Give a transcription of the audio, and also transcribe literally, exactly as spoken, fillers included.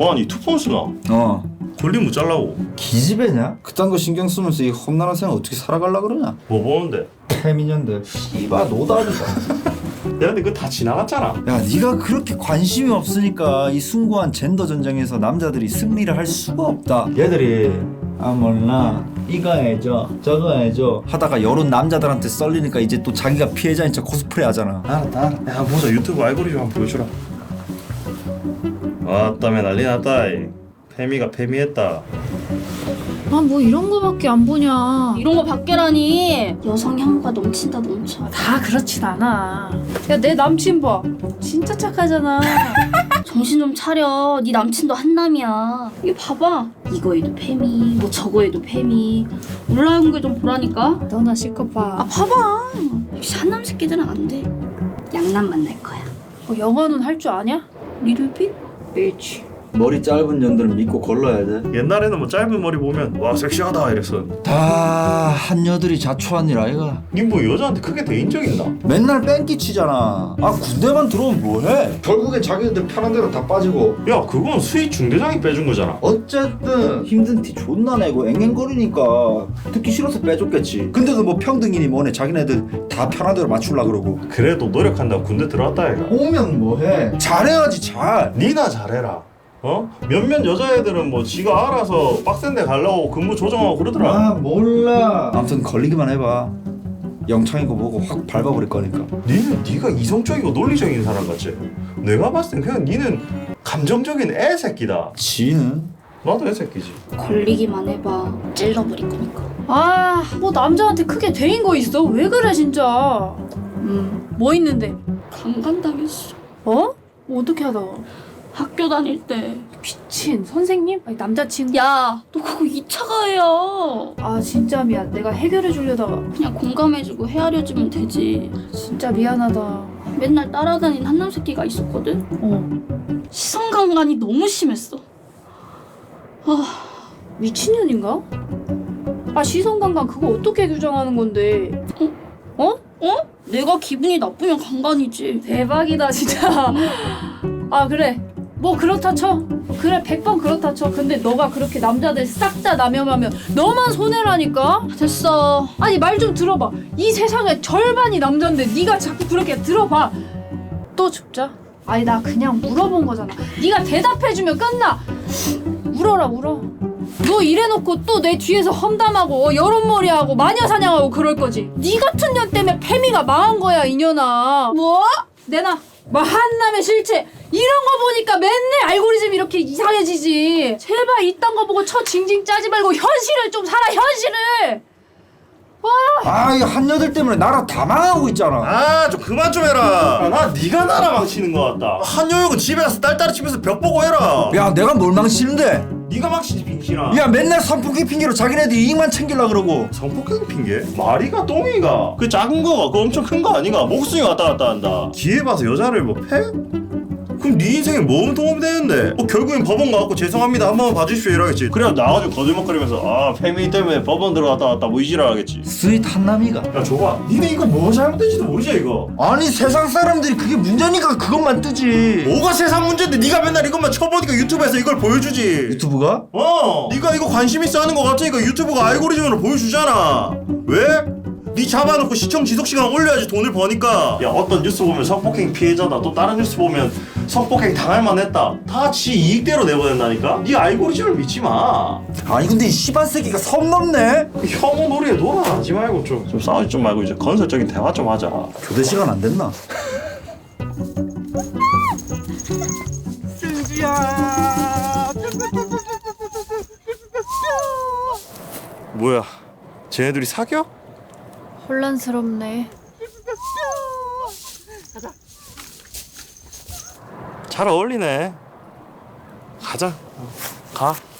와, 니 투폰 쓰나? 어. 걸리면 잘라고. 기집애냐? 그딴 거 신경 쓰면서 이 험난한 생활 어떻게 살아갈라 그러냐? 뭐 보는데? 태민년들 씨바 노답이다. 야, 근데 그거 다 지나갔잖아. 야, 네가 그렇게 관심이 없으니까 이 숭고한 젠더 전쟁에서 남자들이 승리를 할 수가 없다. 얘들이 아 몰라 이거 해줘 저거 해줘 하다가 여론 남자들한테 썰리니까 이제 또 자기가 피해자인 척 코스프레 하잖아. 알았다, 알았다. 야, 보자. 유튜브 알고리즘 한번 보여주라. 아따매 난리 났다. 이. 페미가 페미했다. 아 뭐 이런 거밖에 안 보냐. 이런 거 밖에라니. 여성 향후가 넘친다 넘쳐. 다 그렇진 않아. 야 내 남친 봐. 진짜 착하잖아. 정신 좀 차려. 네 남친도 한남이야. 이거 봐봐. 이거에도 페미, 뭐 저거에도 페미. 올라온 거 좀 보라니까. 너나 실컷 봐. 아 봐봐. 역시 한남 새끼들은 안 돼. 양남 만날 거야. 뭐 영어는 할 줄 아냐? 리틀빛? 멸치. 머리 짧은 년들은 믿고 걸러야 돼. 옛날에는 뭐 짧은 머리 보면 와 섹시하다 이랬어. 다 한여들이 자초한 일 아이가. 니 뭐 여자한테 크게 대인 적 있나? 맨날 뺑기 치잖아. 아 군대만 들어오면 뭐해? 결국엔 자기들 편한 대로 다 빠지고. 야, 그건 수위 중대장이 빼준 거잖아. 어쨌든 힘든 티 존나 내고 앵앵거리니까 듣기 싫어서 빼줬겠지. 근데도 뭐 평등이니 뭐네 자기네들 다 편한 대로 맞추려 그러고. 그래도 노력한다고 군대 들어왔다 얘가. 오면 뭐해? 잘해야지 잘. 니나 잘해라. 어? 몇몇 여자애들은 뭐 지가 알아서 빡센 데 가려고 근무 조정하고 그러더라. 아 몰라. 아무튼 걸리기만 해봐. 영창인 거 보고 확 밟아버릴 거니까. 니는 니가 이성적이고 논리적인 사람 같지? 내가 봤을 땐 그냥 니는 감정적인 애새끼다. 지는? 나도 애새끼지. 걸리기만 해봐. 찔러버릴 거니까. 아 뭐 남자한테 크게 대인 거 있어? 왜 그래 진짜. 음. 뭐 있는데? 강간당했어. 어? 뭐 어떻게 하다가? 학교 다닐 때. 미친 선생님? 아니 남자친구? 야, 너 그거 이 차 가해야. 아 진짜 미안. 내가 해결해 주려다가 그냥 공감해주고 헤아려주면 되지. 진짜 미안하다. 맨날 따라다닌 한남 새끼가 있었거든. 어. 시선 강간이 너무 심했어. 아, 미친년인가? 아 시선강간 그거 어떻게 규정하는 건데? 어? 어? 어? 내가 기분이 나쁘면 강간이지. 대박이다 진짜. 아 그래 뭐 그렇다 쳐. 그래 백 번 그렇다 쳐. 근데 너가 그렇게 남자들 싹 다 남용하면 너만 손해라니까. 됐어. 아니 말 좀 들어봐. 이 세상의 절반이 남잔데 네가 자꾸 그렇게 들어봐. 또 죽자? 아니 나 그냥 물어본 거잖아. 네가 대답해주면 끝나. 울어라 울어. 너 이래놓고 또 내 뒤에서 험담하고 여론몰이하고 마녀사냥하고 그럴 거지. 네 같은 년 때문에 페미가 망한 거야 이년아. 뭐? 내놔. 뭐 한남의 실체 이런 거 보니까 맨날 알고리즘 이렇게 이상해지지. 제발 이딴 거 보고 쳐 징징 짜지 말고 현실을 좀 살아 현실을. 아, 이 한여들 때문에 나라 다 망하고 있잖아. 아, 좀 그만 좀 해라. 아, 나 네가 나라 망치는 거 같다. 한여육은 집에 가서 딸딸이 집에서 벽 보고 해라. 야, 내가 뭘 망치는데? 네가 망치지 빙신아. 야, 맨날 선풍기 핑계로 자기네들 이익만 챙기려 그러고. 성폭행 핑계? 마리가 똥이가 그 작은 거가 그 엄청 큰 거 아닌가? 목숨이 왔다 갔다 한다. 기회 봐서 여자를 뭐 패? 그럼 네 인생에 뭔 도움이 되는데? 뭐 결국엔 법원 가갖고 죄송합니다 한 번만 봐주십시오 이러겠지. 그래야 나가지고 거들먹거리면서 아 페미 때문에 법원 들어갔다 왔다 뭐 이지랄 하겠지. 스윗 한남이가. 야 줘봐. 니네 이거 뭐 잘못된지도 모르지 이거. 아니 세상 사람들이 그게 문제니까 그것만 뜨지. 뭐가 세상 문제인데 네가 맨날 이것만 쳐보니까 유튜브에서 이걸 보여주지. 유튜브가? 어 네가 이거 관심 있어 하는 거 같으니까 유튜브가 알고리즘으로 보여주잖아. 왜? 네 잡아놓고 시청 지속 시간 올려야지 돈을 버니까. 야 어떤 뉴스 보면 성폭행 피해자다 또 다른 뉴스 보면 성폭행 당할 만했다. 다 지 이익대로 내보낸다니까. 네 알고리즘을 믿지 마. 아니 근데 이 씨발 새끼가 선 넘네. 그 혐오 놀이에 놀아나지 말고 좀, 좀 싸우지 좀 말고 이제 건설적인 대화 좀 하자. 교대 시간 안 됐나? 뭐야 쟤네들이 사겨? 혼란스럽네. 잘 어울리네. 가자. 가.